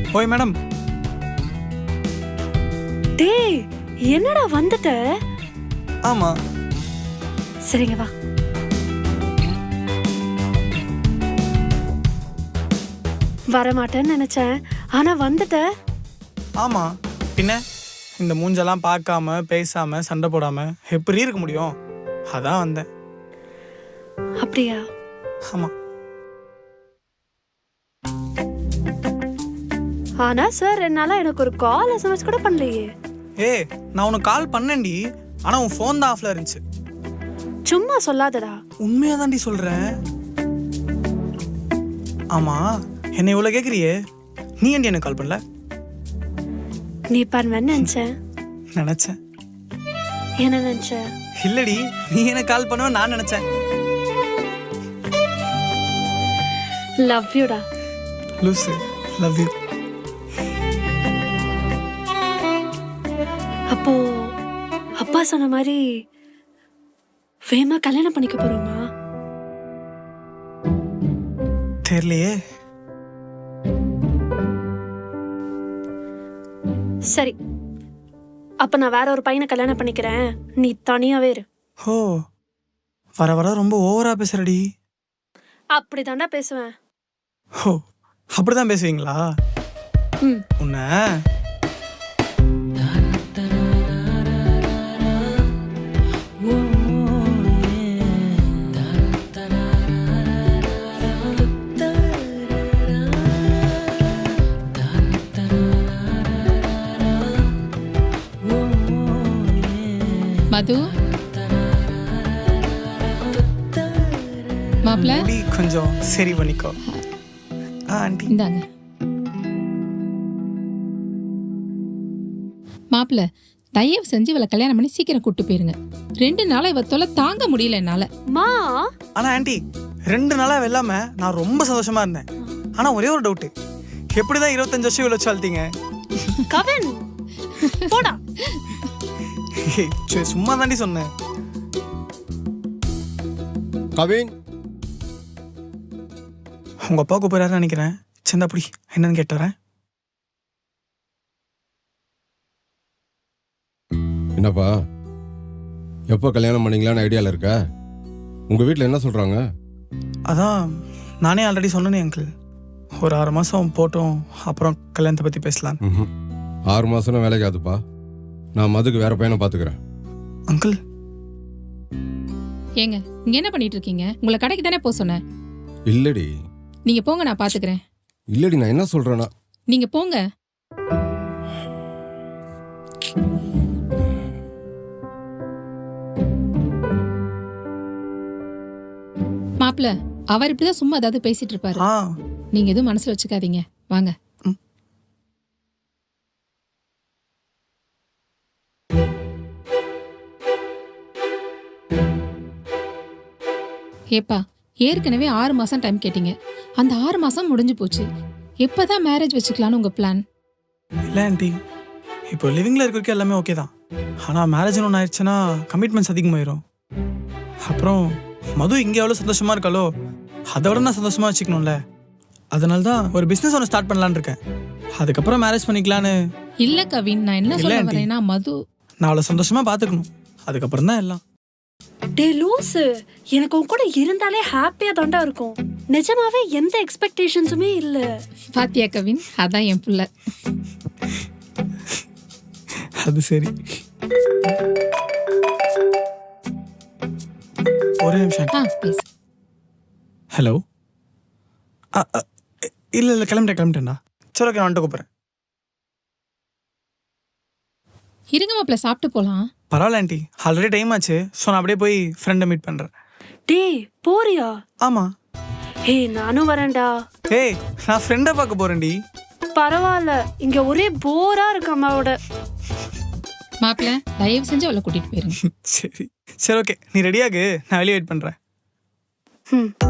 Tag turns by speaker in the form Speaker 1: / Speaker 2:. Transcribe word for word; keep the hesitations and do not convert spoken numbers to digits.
Speaker 1: ஓய் மேடம்.
Speaker 2: டேய் என்னடா வந்துட்ட?
Speaker 1: ஆமா.
Speaker 2: சரிங்க வா. வரமாட்டேன்னு நினைச்சேன், ஆனா வந்துட்ட.
Speaker 1: ஆமா, பின்ன இந்த மூஞ்செல்லாம் பார்க்காம பேசாம சண்டை போடாம எப்படி இருக்க முடியும்? அதான் வந்தேன்.
Speaker 2: அப்படியா?
Speaker 1: ஆமா.
Speaker 2: ஆனா சார் என்னால எனக்கு ஒரு கால் எஸ்எம்எஸ் கூட பண்ணலையே.
Speaker 1: ஏய், நான் உனக்கு கால் பண்ணேன்டி, ஆனா உன் ஃபோன் தான் ஆஃப்ல இருந்துச்சு.
Speaker 2: சும்மா சொல்லாதடா.
Speaker 1: உண்மையா தாண்டி சொல்றேன். ஆமா, என்ன இவ்வளவு கேக்குறியே, நீ ஏன்டி எனக்கு கால் பண்ணல?
Speaker 2: நீ பண்ணுவேன்னு நினைச்சேன்.
Speaker 1: நினைச்சேன்.
Speaker 2: என்ன நினைச்ச?
Speaker 1: இல்லடி, நீ எனக்கு கால் பண்ணுவ நான் நினைச்சேன்.
Speaker 2: லவ் யூடா.
Speaker 1: லூசு, லவ் யூ.
Speaker 2: அப்போ அப்பா சொன்ன மாதிரி வேமா கல்யாணம் பண்ணிக்க போறோமா?
Speaker 1: தெரியலையே.
Speaker 2: சரி, அப்ப நான் வேற ஒரு பையனை கல்யாணம் பண்ணிக்கிறேன், நீ தனியாவே இரு.
Speaker 1: ஓ, வர வர ரொம்ப ஓவரா பேசுறடி.
Speaker 2: அப்படிதான்டா பேசுவேன்.
Speaker 1: ஓ, அப்படிதான் பேசுவீங்களா?
Speaker 2: ம்.
Speaker 1: உன்ன
Speaker 3: மது மாப்ள
Speaker 1: முடி கொஞ்சம் சரி பண்ணிக்கோ. ஆ ஆண்டி.
Speaker 3: இந்தாங்க மாப்ள, தயவு செஞ்சு இவளை கல்யாணம் பண்ணி சீக்கிரம் கூட்டு போயிருங்க. ரெண்டு நாளா இவ தொலை தாங்க முடியல என்னால.
Speaker 2: மா,
Speaker 1: ஆனா ஆண்டி, ரெண்டு நாளா வெல்லாம நான் ரொம்ப சந்தோஷமா இருந்தேன். ஆனா ஒரே ஒரு டவுட், எப்படிதான் இருபத்தஞ்சு வருஷம் இவ்வளவு வச்சால்த்தீங்க?
Speaker 2: கவின் போடா.
Speaker 1: சரி, சும்மா தாண்டி சொன்னேன்.
Speaker 4: கவின்,
Speaker 1: உங்க அப்பா கூப்பிடுறாருன்னு நினைக்கிறேன். சந்தா அப்படி என்னன்னு கேட்டு வரேன்.
Speaker 4: என்னப்பா, எப்போ கல்யாணம் பண்ணீங்களான்னு ஐடியாவில் இருக்க? உங்கள் வீட்டில் என்ன சொல்கிறாங்க?
Speaker 1: அதான் நானே ஆல்ரெடி சொன்னேனே அங்கிள், ஒரு ஆறு மாதம் போட்டோம், அப்புறம் கல்யாணத்தை பற்றி பேசலாம்.
Speaker 4: ம், ஆறு மாதம்னா வேலைக்கு ஆகுதுப்பா. நான் மதுக்கு வேற பையனை பார்த்துக்கிறேன்.
Speaker 1: அங்கிள்,
Speaker 3: ஏங்க இங்க என்ன பண்ணிட்டு இருக்கீங்க? உங்களை கடைக்கு தானே போக சொன்னேன்.
Speaker 4: இல்லடி
Speaker 3: நீங்க போங்க, நான் பாத்துக்கிறேன்.
Speaker 4: இல்லடி, நான் என்ன சொல்கிறேன்னா,
Speaker 3: நீங்க போங்க. மாப்பிள்ள, அவர் இப்படிதான் சும்மா ஏதாவது பேசிட்டு இருப்பாரு.
Speaker 1: ஆ
Speaker 3: நீங்க எதுவும் மனசுல வச்சுக்காதீங்க, வாங்க. ஏப்பா, ஏற்கனவே ஆறு மாசம் டைம் கேட்டீங்க. அந்த ஆறு மாசம் முடிஞ்சு போச்சு. எப்பதான் மேரேஜ் வச்சுக்கலான்னு உங்க பிளான்?
Speaker 1: இல்லை ஆண்டி, இப்போ லிவிங்கில் இருக்கிறதுக்கு எல்லாமே ஓகே தான். ஆனால் மேரேஜ்னு ஒன்று ஆயிடுச்சுன்னா கமிட்மெண்ட்ஸ் அதிகமாயிரும். அப்புறம் மது இங்கே எவ்வளோ சந்தோஷமா இருக்காளோ அதை விட நான் சந்தோஷமா வச்சுக்கணும்ல. அதனால தான் ஒரு பிஸ்னஸ் ஒன்று ஸ்டார்ட் பண்ணலான்னு இருக்கேன். அதுக்கப்புறம் மேரேஜ் பண்ணிக்கலான்னு.
Speaker 3: இல்ல கவின், நான் என்ன சொல்ல வரேன்னா, மது
Speaker 1: நான் அவளை சந்தோஷமா பார்த்துக்கணும், அதுக்கப்புறம் தான் எல்லாம்.
Speaker 2: டே லூசு, எனக்கு உன் கூட இருந்தாலே ஹாப்பியா தாண்டா இருக்கும். நிஜமாவே எந்த எக்ஸ்பெக்டேஷன்ஸுமே இல்ல.
Speaker 3: பாத்தியா கவின், அதான் என் புள்ள.
Speaker 1: அது சரி. ஒரே நிமிஷம்.
Speaker 3: ஆ பேசு.
Speaker 1: ஹலோ. இல்லை இல்லை கிளம்பிட்டேன் கிளம்பிட்டேன்டா. சரி ஓகே, நான் வந்துட்டு கூப்பிட்றேன்.
Speaker 3: இருங்க மாப்பிள்ள, சாப்பிட்டு போலாம்.
Speaker 1: பரவாயில்ல ஆண்டி, ஆல்ரெடி டைம் ஆச்சு. ஸோ நான் அப்படியே போய் ஃப்ரெண்டை மீட் பண்ணுறேன்.
Speaker 2: டேய் போறியா?
Speaker 1: ஆமாம்.
Speaker 2: ஏய் நானும் வரேன்டா.
Speaker 1: ஏய், நான் ஃப்ரெண்டை பார்க்க போகிறேன்டி.
Speaker 2: பரவாயில்ல, இங்க ஒரே போரா இருக்கு அம்மாவோட.
Speaker 3: மாப்பிள்ள, தயவு செஞ்சு அவளை கூட்டிட்டு போயிருங்க.
Speaker 1: சரி சரி ஓகே, நீ ரெடியாகு, நான் வெளியே வெயிட் பண்ணுறேன்.
Speaker 2: ம்.